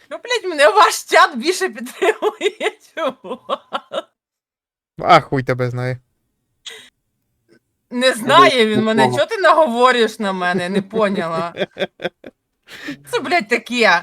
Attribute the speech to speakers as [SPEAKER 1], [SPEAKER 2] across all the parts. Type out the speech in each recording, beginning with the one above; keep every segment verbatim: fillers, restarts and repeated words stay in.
[SPEAKER 1] Ну, блядь, мене ваш чат більше підтримує, чому?
[SPEAKER 2] А хуй тебе знає.
[SPEAKER 1] Не знає він мене, чого ти наговорюєш на мене, не поняла. Це, блядь, таке.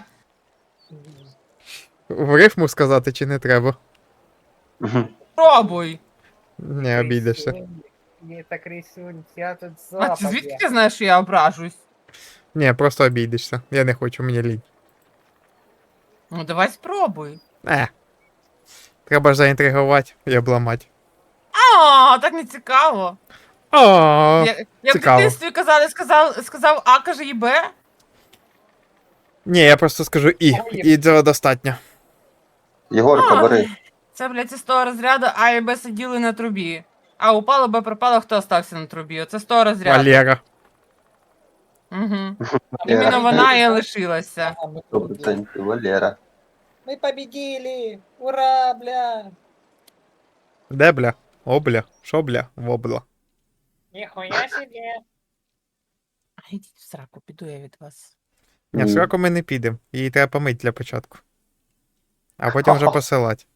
[SPEAKER 2] В рифму сказати чи не треба?
[SPEAKER 1] Пробуй.
[SPEAKER 2] Не обійдешся.
[SPEAKER 3] Не так рисунь, я тут
[SPEAKER 1] А ти
[SPEAKER 3] запад.
[SPEAKER 1] звідки ти знаєш, що я ображусь?
[SPEAKER 2] Ні, просто обійдешся. Я не хочу, мені лінь.
[SPEAKER 1] Ну, давай спробуй.
[SPEAKER 2] Е. Треба ж заінтригувати і обламати.
[SPEAKER 1] А, так не цікаво.
[SPEAKER 2] О,
[SPEAKER 1] Я, я в
[SPEAKER 2] цікаво.
[SPEAKER 1] дитинстві казали, сказав, сказав А, каже і Б.
[SPEAKER 2] Ні, я просто скажу і. І цього достатньо.
[SPEAKER 4] Єгорка,
[SPEAKER 1] А,
[SPEAKER 4] бери.
[SPEAKER 1] Це, блядь, з того розряду А і Б сиділи на трубі. А упало, Б пропало, хто остався на трубі? Оце з того розряду.
[SPEAKER 2] Валера.
[SPEAKER 1] Угу.
[SPEAKER 4] Валера.
[SPEAKER 1] Іменно вона і лишилася.
[SPEAKER 3] А, мы
[SPEAKER 4] Сто
[SPEAKER 3] тут, блядь.
[SPEAKER 4] процентів Валера.
[SPEAKER 3] Мы победили! Ура, бля!
[SPEAKER 2] Де бля? О, бля. Шо бля? Вобла.
[SPEAKER 3] Нихуя себе!
[SPEAKER 1] Ідіть в сраку, піду я від вас.
[SPEAKER 2] Ні, в
[SPEAKER 4] Ні.
[SPEAKER 2] сраку ми не підемо. Її треба помити для початку. А потім вже посилати.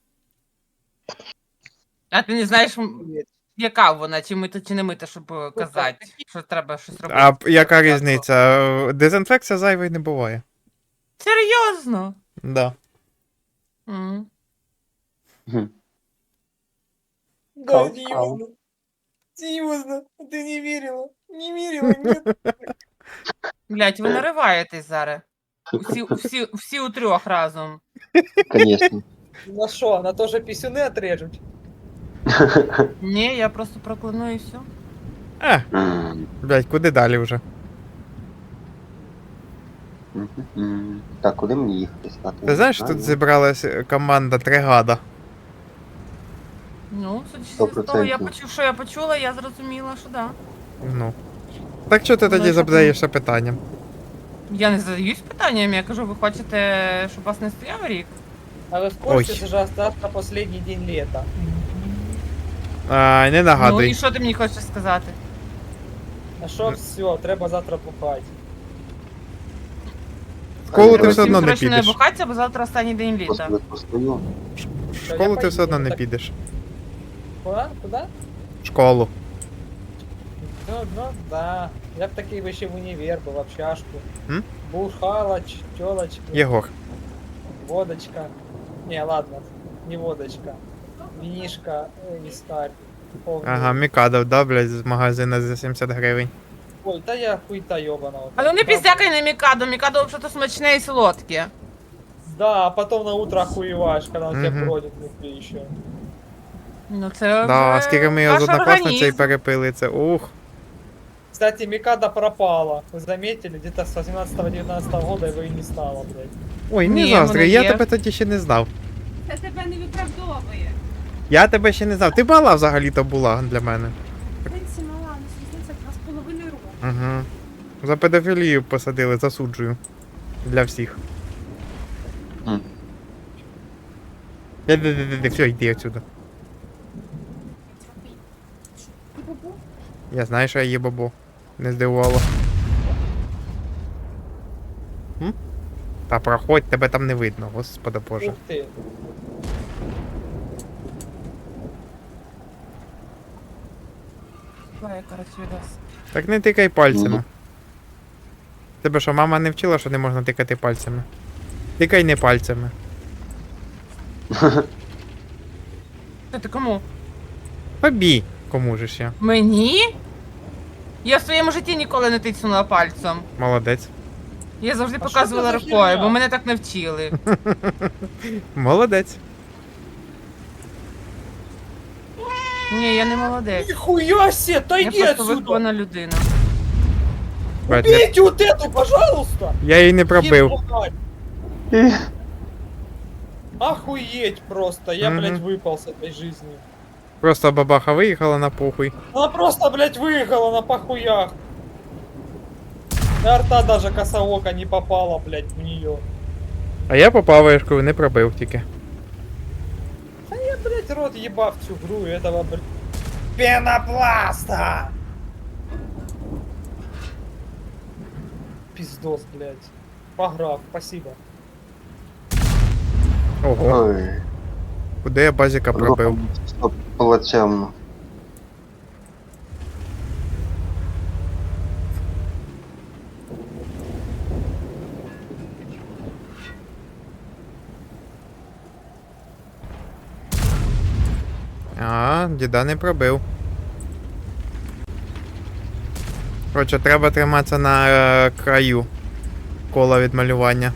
[SPEAKER 1] А ти не знаєш, м, яка вона, чи мита, чи не мита, щоб е, казати, що треба щось робити.
[SPEAKER 2] А яка
[SPEAKER 1] Спочатку.
[SPEAKER 2] різниця? Дезінфекція зайвої не буває.
[SPEAKER 1] Серйозно?
[SPEAKER 2] Да.
[SPEAKER 1] М.
[SPEAKER 4] Мгм.
[SPEAKER 3] Да,
[SPEAKER 4] Кал-
[SPEAKER 3] серьезно. Серьезно, ты не верила? Не верила, нет?
[SPEAKER 1] Блять, ви нариваєтесь зараз. Усі, усі, всі у трьох разом.
[SPEAKER 4] Конечно.
[SPEAKER 3] На что, на то же писюны отрежут?
[SPEAKER 1] Ні, я просто прокляну і все.
[SPEAKER 2] Е,
[SPEAKER 4] М,
[SPEAKER 2] блядь, куди далі вже?
[SPEAKER 4] м, м. Так, куди мені їхати стати?
[SPEAKER 2] Ти знаєш, тут зібралась команда Тригада.
[SPEAKER 1] Ну, судячи
[SPEAKER 4] Сто
[SPEAKER 1] з того, я
[SPEAKER 4] процентів.
[SPEAKER 1] почув, що я почула, я зрозуміла, що да.
[SPEAKER 2] Ну. Так що ти
[SPEAKER 1] Ну,
[SPEAKER 2] тоді
[SPEAKER 1] що
[SPEAKER 2] задаєшся питанням?
[SPEAKER 1] Я не задаюсь питанням, я кажу, ви хочете, щоб вас не стояв рік?
[SPEAKER 3] А вы в курсе,
[SPEAKER 2] Ой.
[SPEAKER 3] что же завтра последний день лета?
[SPEAKER 2] А, не
[SPEAKER 1] Ну і
[SPEAKER 2] нагадуй.
[SPEAKER 1] що ти мені хочеш сказати?
[SPEAKER 3] А что все, треба завтра бухать.
[SPEAKER 2] В школу ти
[SPEAKER 1] Треба
[SPEAKER 2] все
[SPEAKER 1] всім
[SPEAKER 2] одно не
[SPEAKER 1] срочно
[SPEAKER 2] підеш.
[SPEAKER 1] бухатися, бо завтра останній день літа.
[SPEAKER 4] Господи, постою.
[SPEAKER 2] В школу ти все одно не
[SPEAKER 3] так-
[SPEAKER 2] підеш.
[SPEAKER 3] Куда? Куда?
[SPEAKER 2] В школу.
[SPEAKER 3] Ну, ну да. Я б такий би ще в універ, би в общажку.
[SPEAKER 2] М?
[SPEAKER 3] Бухала, ч- тёлочки,
[SPEAKER 2] Єгор.
[SPEAKER 3] водочка. Не, ладно, не водочка. Винишка, э, вискарь. повний.
[SPEAKER 2] Ага, Мікадов, да, блядь, з магазина за сімдесят гривень.
[SPEAKER 3] Ой, та я хуйта ёбаного.
[SPEAKER 1] Але не піздякай на Мікадо, Мікадо взагалі смачне і солодке.
[SPEAKER 3] Да, а потом на утро охуеваешь, когда он тебя
[SPEAKER 2] Мгм.
[SPEAKER 3] бродит внутри еще.
[SPEAKER 1] Ну це
[SPEAKER 2] Да,
[SPEAKER 1] вже
[SPEAKER 2] скільки ми його з
[SPEAKER 1] ваш
[SPEAKER 2] однокласницею
[SPEAKER 1] організм.
[SPEAKER 2] перепили, це ух.
[SPEAKER 3] Кстати, Микада пропала. Вы заметили, где-то с восемнадцатого-девятнадцатого года его и не стало, блядь.
[SPEAKER 2] Ой, не
[SPEAKER 1] Ні,
[SPEAKER 2] заздрю,
[SPEAKER 1] воно
[SPEAKER 2] я
[SPEAKER 1] є.
[SPEAKER 2] тебе тоді ще не знав.
[SPEAKER 5] Це тебе не виправдовує.
[SPEAKER 2] Я тебе ще не знав. Ти мала взагалі-то була для мене.
[SPEAKER 5] Принці мала, ну різниця два з половиною року.
[SPEAKER 2] Угу. За педофілію посадили, засуджую. Для всіх.
[SPEAKER 4] М.
[SPEAKER 2] Де-де-де-де, все, йди отсюда.
[SPEAKER 5] І бабу?
[SPEAKER 2] Я знаю, що я є бабо. Не здивувало. М? Та проходь, тебе там не видно, господи боже.
[SPEAKER 3] Ух ты.
[SPEAKER 1] Ой, коротше, відос.
[SPEAKER 2] Так не тикай пальцями.
[SPEAKER 4] Ну.
[SPEAKER 2] Тебе що, мама не вчила, що не можна тикати пальцями? Тикай не пальцями.
[SPEAKER 1] Що ти кому?
[SPEAKER 2] Побій, кому же ж я.
[SPEAKER 1] Мені? Я в своєму житті ніколи не тицнула пальцем.
[SPEAKER 2] Молодець.
[SPEAKER 1] Я завжди
[SPEAKER 3] А
[SPEAKER 1] показувала
[SPEAKER 3] що це за
[SPEAKER 1] рукою,
[SPEAKER 3] херня?
[SPEAKER 1] бо мене так навчили.
[SPEAKER 2] Молодець.
[SPEAKER 1] Ні, я не молодець.
[SPEAKER 3] Нихуя себе,
[SPEAKER 1] Я
[SPEAKER 3] отойди
[SPEAKER 1] просто
[SPEAKER 3] отсюда!
[SPEAKER 1] вихована людина.
[SPEAKER 2] Блядь, не-
[SPEAKER 3] Убейте вот эту, пожалуйста!
[SPEAKER 2] Я її не пробив.
[SPEAKER 3] Ебать. Охуеть просто, я,
[SPEAKER 2] Мгм.
[SPEAKER 3] блядь, выпал с этой жизни.
[SPEAKER 2] Просто бабаха виїхала на похуй.
[SPEAKER 3] Она просто, блядь, выехала на похуях. И арта даже косоока не попала, блядь, в нее.
[SPEAKER 2] А я попав вишкою, не пробив тільки.
[SPEAKER 3] Я, блядь, рот ебав всю игру и этого, блядь, пенопласта! Пиздос, блядь. Пограв, спасибо.
[SPEAKER 2] Ого,
[SPEAKER 4] Ой,
[SPEAKER 2] куди я базіка пробив?
[SPEAKER 4] Стоп, плачевно.
[SPEAKER 2] А, діда не пробив. Коротше, треба триматися на е, краю кола відмалювання.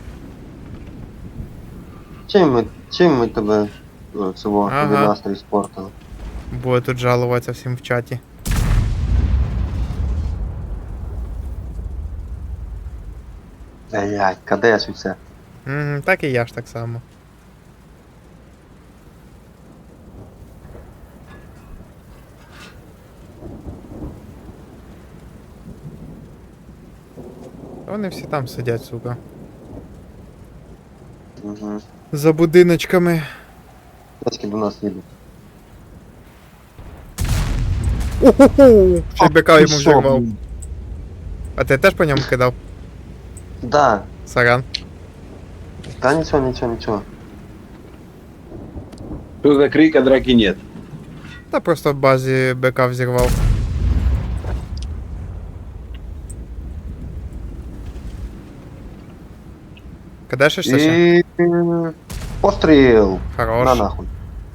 [SPEAKER 4] Чим ми, чим ми тебе о, цього
[SPEAKER 2] Ага.
[SPEAKER 4] тобі настрій спортили?
[SPEAKER 2] Буде тут жалуватися всім в чаті.
[SPEAKER 4] Блять, кадеш і все.
[SPEAKER 2] Угу, так і я ж так само. Вони всі там сидять, сука.
[SPEAKER 4] Угу.
[SPEAKER 2] За будиночками.
[SPEAKER 4] Дядьки до нас їдуть.
[SPEAKER 2] Уху! Ще й бика йому
[SPEAKER 4] Ти що,
[SPEAKER 2] взірвав.
[SPEAKER 4] блін?
[SPEAKER 2] А ти теж по ньому кидав?
[SPEAKER 4] Да.
[SPEAKER 2] Саран.
[SPEAKER 4] Та нічого, нічого, нічого.
[SPEAKER 6] Что за крик, а драки нет?
[SPEAKER 2] Та просто в базі бика взірвав. Кадешишся ще?
[SPEAKER 4] І... Постріл!
[SPEAKER 2] Хорош.
[SPEAKER 4] На нахуй.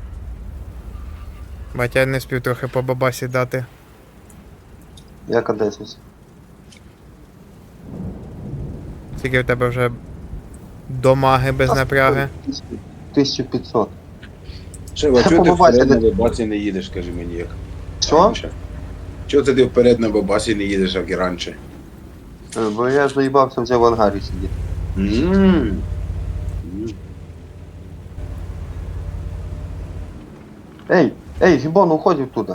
[SPEAKER 2] Батя не спів трохи по бабасі дати.
[SPEAKER 4] Я кадешусь.
[SPEAKER 2] Скільки в тебе вже домаги без напряги?
[SPEAKER 4] тисяча п'ятсот.
[SPEAKER 6] Шева,
[SPEAKER 4] Та
[SPEAKER 6] чого ти
[SPEAKER 4] побачите.
[SPEAKER 6] вперед на бабасі не їдеш, скажи мені як?
[SPEAKER 4] Що?
[SPEAKER 6] раніше? Чого ти вперед на бабасі не їдеш, як і раніше?
[SPEAKER 4] Е, Бо я заїбався вже в ангарі сидіти.
[SPEAKER 6] Ммм.
[SPEAKER 4] Ей, ей, гібон, уходь оттуда.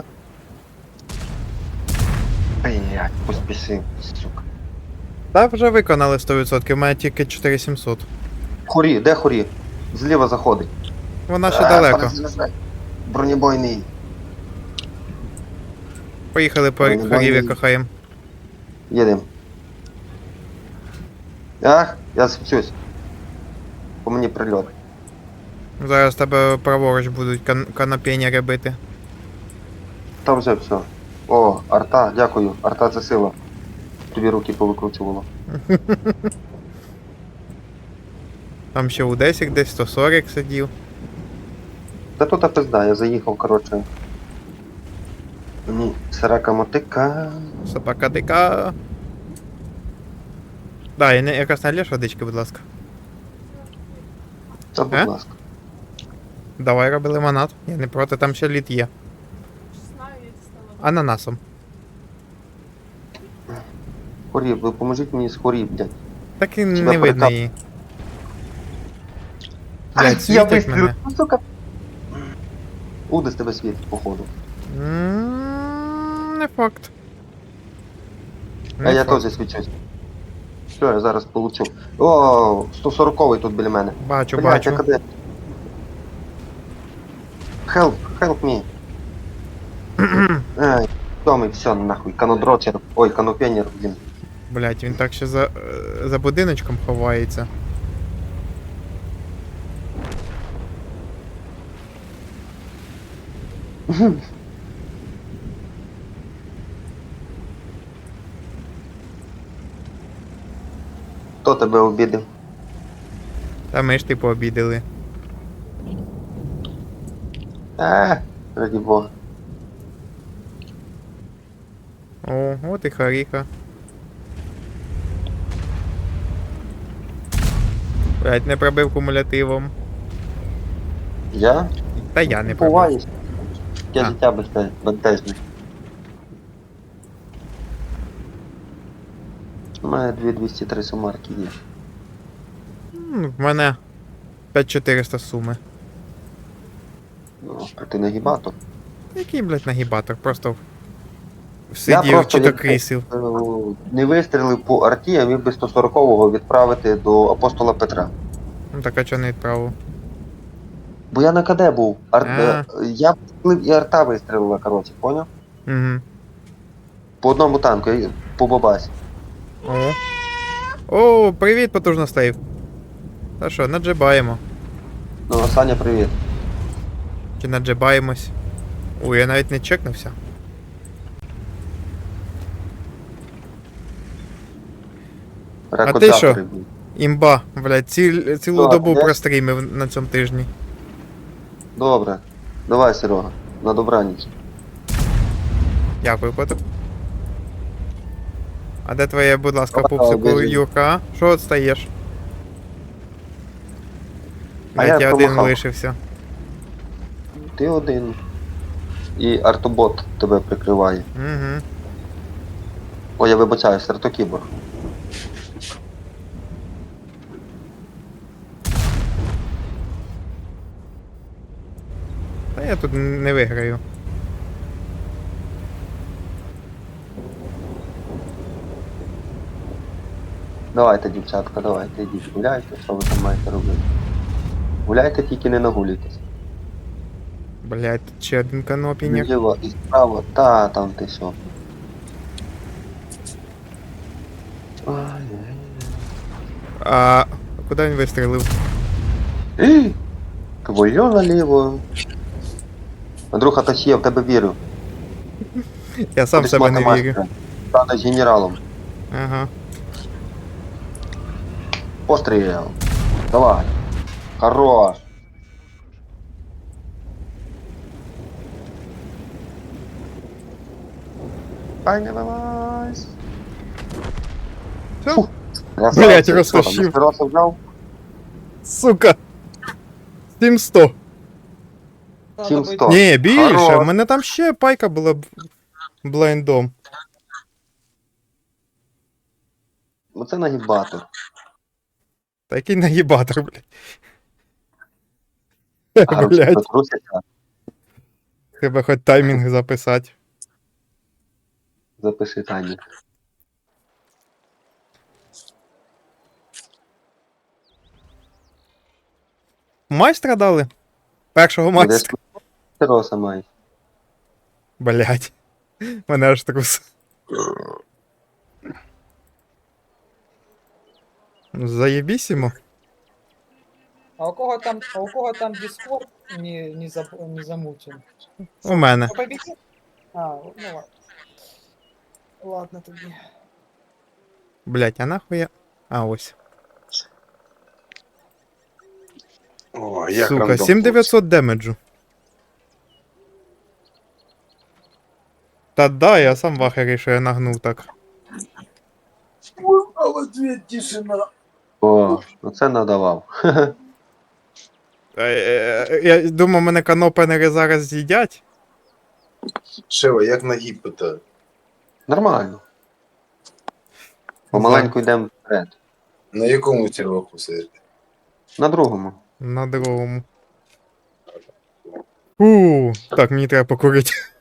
[SPEAKER 4] Блять, поспішив, сука.
[SPEAKER 2] Та вже виконали сто відсотків, у мене тільки чотири сімсот.
[SPEAKER 4] Хорі, де хорі? Зліва заходить.
[SPEAKER 2] Вона ще
[SPEAKER 4] А,
[SPEAKER 2] далеко.
[SPEAKER 4] перезаряджай. Бронебойний.
[SPEAKER 2] Поїхали по
[SPEAKER 4] Вони
[SPEAKER 2] хорів'я
[SPEAKER 4] бані.
[SPEAKER 2] кохаєм.
[SPEAKER 4] Їдем. Ах, я свічусь. По мені прильот.
[SPEAKER 2] Зараз тебе праворуч будуть кан- канапєнери бити.
[SPEAKER 4] Там вже все. О, арта, дякую. Арта це сила. Тобі руки повикручувало.
[SPEAKER 2] Там ще у десять десь сто сорок сидів.
[SPEAKER 4] Та тут пизда, я заїхав, коротше. Мені срака мотика.
[SPEAKER 2] Собака дика. Да, і не, якось налєш водички, будь ласка.
[SPEAKER 4] Та будь
[SPEAKER 2] Е?
[SPEAKER 4] ласка.
[SPEAKER 2] Давай роби лимонад. Я не проти, там ще лід є.
[SPEAKER 5] Знаю, я дістала.
[SPEAKER 2] Ананасом.
[SPEAKER 4] Хорі, ви поможіть мені з хорі, блядь.
[SPEAKER 2] Так і
[SPEAKER 4] Тебе
[SPEAKER 2] не видно
[SPEAKER 4] прикап-
[SPEAKER 2] її. Блядь,
[SPEAKER 4] я
[SPEAKER 2] світить
[SPEAKER 4] вистрілив,
[SPEAKER 2] мене.
[SPEAKER 4] ну, сука. Уди з тебе світить, походу.
[SPEAKER 2] М, Не факт.
[SPEAKER 4] А
[SPEAKER 2] Не
[SPEAKER 4] я
[SPEAKER 2] факт.
[SPEAKER 4] теж свічусь. Що я зараз получу? О, сто сороковий тут біля мене.
[SPEAKER 2] Бачу,
[SPEAKER 4] Блядь,
[SPEAKER 2] бачу.
[SPEAKER 4] я куди? Help, help me. Ай, Томий, все, нахуй, канодрочер, ой, канопенер, блін.
[SPEAKER 2] Блять, він так ще за, е, за будиночком ховається.
[SPEAKER 4] Хто тебе обідав?
[SPEAKER 2] Та ми ж типу обідали.
[SPEAKER 4] Е, раді Бога.
[SPEAKER 2] О, от і Харіха. Блять, не пробив кумулятивом.
[SPEAKER 4] Я?
[SPEAKER 2] Та я не пробив.
[SPEAKER 4] Буваюсь. Я
[SPEAKER 2] А.
[SPEAKER 4] дитя безте- бентежне. У мене дві двісті три сумарки є.
[SPEAKER 2] М, В мене п'ять чотириста суми.
[SPEAKER 4] Ну, а ти нагібатор.
[SPEAKER 2] Який, блять, нагібатор? Просто
[SPEAKER 4] Я
[SPEAKER 2] сидів
[SPEAKER 4] просто
[SPEAKER 2] чи то
[SPEAKER 4] як-
[SPEAKER 2] крісів.
[SPEAKER 4] Е, Не вистрілив по арті, а міг би сто сорокового відправити до апостола Петра.
[SPEAKER 2] Ну так а чого не відправив?
[SPEAKER 4] Бо я на КД був. Ар...
[SPEAKER 2] А.
[SPEAKER 4] е, Я вистрілив і арта вистрілила, коротше, поняв?
[SPEAKER 2] Угу.
[SPEAKER 4] По одному танку, я- по бабасі.
[SPEAKER 2] О. О, привіт, потужно стейв. Та що, наджибаємо.
[SPEAKER 4] Ну, Саня, привіт.
[SPEAKER 2] Чи наджибаємось? Ой, я навіть не чекнувся.
[SPEAKER 4] Рекордатори,
[SPEAKER 2] що?
[SPEAKER 4] блін.
[SPEAKER 2] Імба, блядь, ці, цілу
[SPEAKER 4] Так,
[SPEAKER 2] добу
[SPEAKER 4] де?
[SPEAKER 2] прострімив на цьому тижні.
[SPEAKER 4] Добре. Давай, Серега, на добраніч.
[SPEAKER 2] Дякую, котик. А де твоє, будь ласка,
[SPEAKER 4] О,
[SPEAKER 2] пупсику,
[SPEAKER 4] біжи.
[SPEAKER 2] Юрка? а? Що отстаєш?
[SPEAKER 4] А
[SPEAKER 2] Блядь,
[SPEAKER 4] я
[SPEAKER 2] я один
[SPEAKER 4] промахав.
[SPEAKER 2] лишився.
[SPEAKER 4] Ти один. І артобот тебе прикриває.
[SPEAKER 2] Угу.
[SPEAKER 4] Ой, я вибачаюсь, артокібор.
[SPEAKER 2] Та я тут не виграю.
[SPEAKER 4] Давайте, дівчатка, давайте, йдіть, гуляйте, що ви там маєте робити. Гуляйте, тільки не нагулюйтесь.
[SPEAKER 2] Блядь, тут ще один канопінік.
[SPEAKER 4] Вліво і справа, та там ти що. Ай-яй-яй.
[SPEAKER 2] А куди він вистрілив?
[SPEAKER 4] Ей! Твоє наліво. Андрюха, та ще я в тебе вірю.
[SPEAKER 2] Я сам в
[SPEAKER 4] Будеш
[SPEAKER 2] себе
[SPEAKER 4] мати
[SPEAKER 2] не
[SPEAKER 4] майстра.
[SPEAKER 2] вірю.
[SPEAKER 4] Станеш генералом.
[SPEAKER 2] Ага.
[SPEAKER 4] Постріл. Давай. Хорош. Ай, не вилазь.
[SPEAKER 2] Всё?
[SPEAKER 4] Красавчик.
[SPEAKER 2] Блядь,
[SPEAKER 4] Що там,
[SPEAKER 2] розтащив.
[SPEAKER 4] Маскировку взяв?
[SPEAKER 2] Сука! сім сто.
[SPEAKER 3] Надо
[SPEAKER 4] Сім
[SPEAKER 3] быть-
[SPEAKER 4] сто.
[SPEAKER 2] Ні, більше,
[SPEAKER 4] Хорош.
[SPEAKER 2] в мене там ще пайка була б- блайндом.
[SPEAKER 4] Оце нагибатор.
[SPEAKER 2] Та який наїбатор, блядь.
[SPEAKER 4] А руки
[SPEAKER 2] Блядь,
[SPEAKER 4] трусяться.
[SPEAKER 2] треба хоч таймінг записати.
[SPEAKER 4] Запиши Тані.
[SPEAKER 2] Майстра дали? Першого майстра.
[SPEAKER 4] Тероса має.
[SPEAKER 2] Блядь. Мене аж трус. Заєбісімо.
[SPEAKER 3] А у кого там, а у кого там Discord не, не, заб, не замучен?
[SPEAKER 2] У мене.
[SPEAKER 3] Кто победил? А, ну ладно. Ладно тоді.
[SPEAKER 2] Блядь, а нахуя? А, ось.
[SPEAKER 6] О, як
[SPEAKER 2] Сука,
[SPEAKER 6] рандом,
[SPEAKER 2] сім дев'ятсот демеджу. Та да, я сам в ахері, що я нагнув так.
[SPEAKER 6] хлопці. А в ответ тишина.
[SPEAKER 4] О, оце надавав.
[SPEAKER 2] Е, е, Я думав, мене канопенери зараз з'їдять.
[SPEAKER 6] Шева, як на гіпота?
[SPEAKER 4] Нормально. Помаленьку йдемо вперед.
[SPEAKER 6] На якому серваку сидите?
[SPEAKER 4] На другому.
[SPEAKER 2] На другому. У, так, мені треба покурити.